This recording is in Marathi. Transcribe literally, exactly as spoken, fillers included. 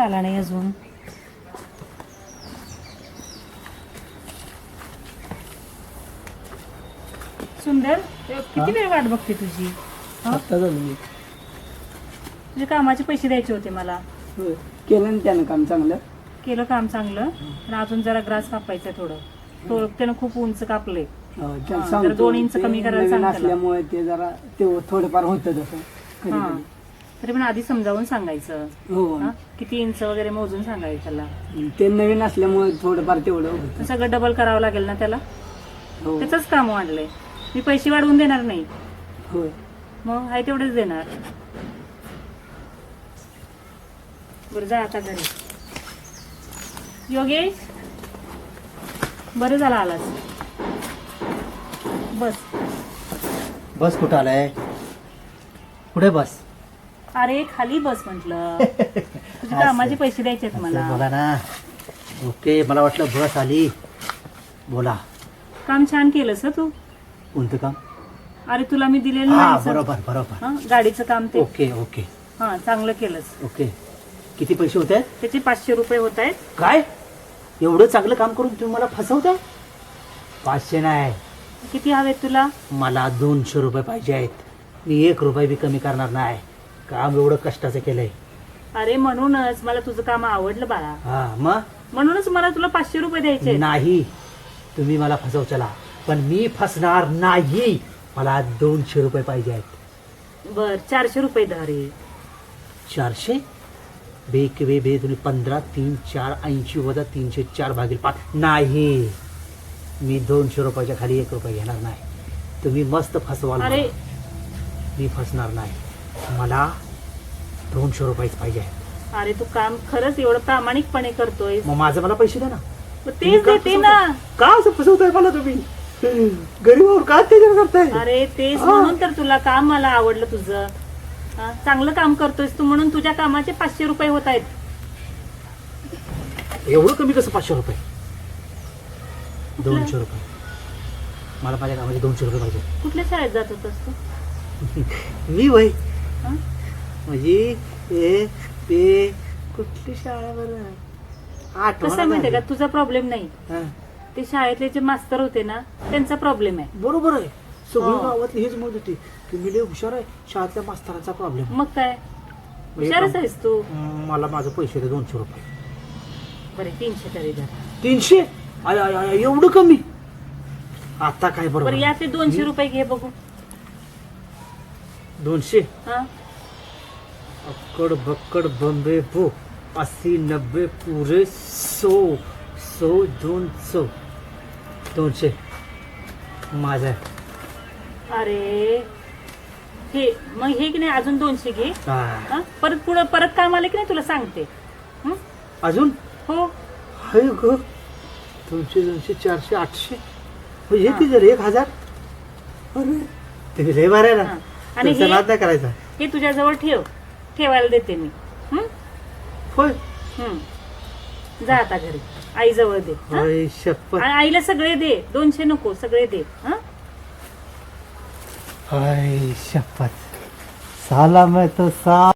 आला नाही अजून. सुंदर किती वेळ वाट बघते तुझी? आता झालं मी. तुझे कामाचे पैसे द्यायचे होते मला. होय. केलं ना त्यानं काम चांगलं. केलं काम चांगलं पण अजून जरा ग्रास कापायचं थोडं. थोडं त्यानं खूप उंच कापले. हो, त्याला हा, सांगतो. जरा दोन इंच ते कमी करायला नवीन सांग त्याला. असल्यामुळे ते जरा ते थोडंफार होतं तसं कधी हा कधी. तरी पण आधी समजावून सांगायचं. हो हा? किती इंच वगैरे मोजून सांगायचं त्याला. ते नवीन असल्यामुळे थोडंफार तेवढं होतं. सगळं डबल करावं लागेल ना त्याला. हो त्याचंच काम वाढलंय. मी पैसे वाढवून देणार नाही. होय. मग आहे तेवढेच देणार. बरं जा आता घरी. योगेश बरं झालं आलास. बस. बस कुठं आलाय? कुठे बस? अरे खाली बस म्हटलं. तुझे कामाचे पैसे द्यायचे आहेत बोला मला. ना. ओके, मला वाटलं बस आली. बोला. काम छान केलंस हं तू. कोणतं काम? अरे तुला मी दिलेलं हा नाही सर. बरोबर बरोबर. हं, गाडीचं काम ते. ओके ओके हा चांगलं केलंस. ओके. किती पैसे होत आहेत? त्याचे पाचशे रुपये होत आहेत. काय एवढं चांगलं काम करून तुम्ही मला फसवताय? पाचशे नाही, किती हवेत तुला? मला दोनशे रुपये पाहिजे आहेत. मी एक रुपये बी कमी करणार नाही. काम एवढं कष्टाचं केलंय. अरे म्हणूनच मला तुझं काम आवडलं बाळा. हा मग म्हणूनच मला तुला पाचशे रुपये द्यायचे आहेत. नाही, तुम्ही मला फसवचला पण मी फसणार नाही. मला दोनशे रुपये पाहिजे आहेत. बर चारशे रुपये धर रे. चारशे बे के बे बे तुम्ही पंधरा तीन चार ऐंशी वजा तीनशे चार भागील पाच. नाही, मी दोनशे रुपयाच्या खाली एक रुपये घेणार नाही. तुम्ही मस्त फसवाल अरे मला. मी फसणार नाही. मला दोनशे रुपयेच पाहिजे आहेत. अरे तू काम खरंच एवढं प्रामाणिकपणे करतोय. मग माझं मला पैसे द्या ना. तेच देते ना. का असं फसवताय मला तुम्ही? गरीबावर का अत्याचार करताय? अरे तेच हा. म्हणून तर तुला काम मला आवडलं तुझं. हा, चांगलं काम करतोयस तू म्हणून तुझ्या कामाचे पाचशे रुपये होत आहेत. एवढं कमी कसं पाचशे रुपये? दोनशे रुपये. मला माझ्या कामाचे दोनशे रुपये पाहिजे. कुठल्या शाळेत जात होतास तू? मी वय हा? म्हणजे ए पे कुठली शाळा बरं कसं आहे माहितीये का आठवण. तुझा प्रॉब्लेम नाही. ते शाळेतले जे मास्तर होते ना त्यांचा प्रॉब्लेम आहे. बरोबर आहे. सगळी हो. गावातली हेच म्हणत होती की मी लय हुशार आहे, शाळेतल्या मास्तरांचा प्रॉब्लेम. मग काय हुशारच आहेस तू. मला माझं पैसे दे दोनशे रुपये. बरे तीनशे तरी धर. तीनशे? आय, आय, आय, एवढं कमी? आता काय बरं बरोबर? या ते दोनशे रुपये घे बघू. दोनशे? हा अक्कड बक्कड बंबे बो अस्सी नब्बे पुरे सो सो दोन सौ दोनशे माझा आहे. अरे हे मग हे की नाही अजून दोनशे घे. हा. हा? परत पुढं परत काम आले की नाही तुला सांगते. हं? अजून हो हाय ग. दोनशे दोनशे चारशे आठशे म्हणजे हा. किती झाले? एक हजार. अरे ते लय बरं आहे हा. ना. आणि तुमचा हे नाद नाही करायचा. हे तुझ्याजवळ ठेव. ठेवायला देते मी. हं? होय हं. जा आता घरी आईजवळ दे. हं? होय शपथ. आणि आईला सगळे दे. दोनशे नको सगळे दे. हं? हाय शपथ. साला मैं तो सा